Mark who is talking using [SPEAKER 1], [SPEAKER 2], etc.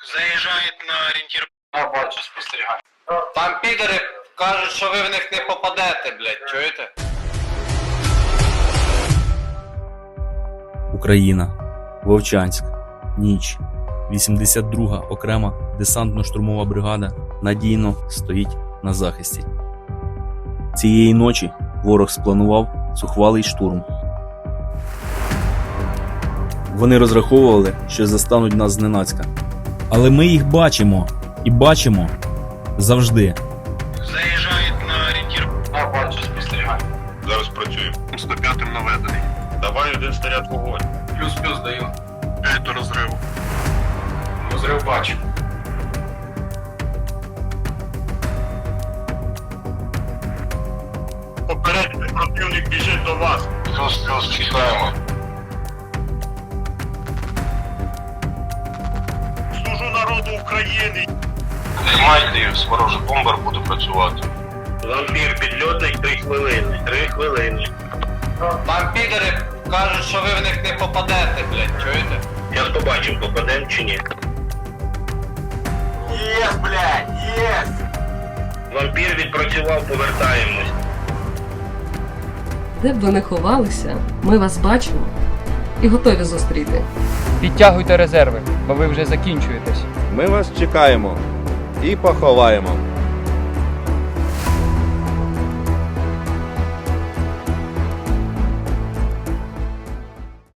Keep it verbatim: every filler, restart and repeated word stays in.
[SPEAKER 1] Заїжджають на орієнтір.
[SPEAKER 2] Я бачу, спостерігаю. Там підери кажуть, що ви в них не попадете, блядь, чуєте?
[SPEAKER 3] Україна. Вовчанськ. Ніч. вісімдесят друга окрема десантно-штурмова бригада надійно стоїть на захисті. Цієї ночі ворог спланував зухвалий штурм. Вони розраховували, що застануть нас зненацька. Але ми їх бачимо. І бачимо завжди.
[SPEAKER 1] Заїжджають на орієнтір.
[SPEAKER 2] Я бачу, спостерігаю.
[SPEAKER 4] Зараз працюємо.
[SPEAKER 1] сто п'ятим наведений.
[SPEAKER 4] Давай один снаряд вогонь.
[SPEAKER 2] Плюс-плюс даю.
[SPEAKER 1] П'ять до розриву.
[SPEAKER 2] Розрив бачу.
[SPEAKER 4] Попередньо противник біжить до вас.
[SPEAKER 1] Плюс-плюс чекаємо.
[SPEAKER 4] Служу народу України.
[SPEAKER 1] Тримайте, ворожий бомбер буде працювати.
[SPEAKER 4] Вампір підльотний три хвилини. Три хвилини.
[SPEAKER 2] Там підери кажуть, що ви в них не попадете, блядь, чуєте?
[SPEAKER 4] Я побачив, попадем чи ні.
[SPEAKER 2] Єс, блядь, єс!
[SPEAKER 4] Вампір відпрацював, повертаємось.
[SPEAKER 5] Де б ви не ховалися, ми вас бачимо і готові зустріти.
[SPEAKER 6] Підтягуйте резерви, бо ви вже закінчуєтесь.
[SPEAKER 7] Ми вас чекаємо і поховаємо.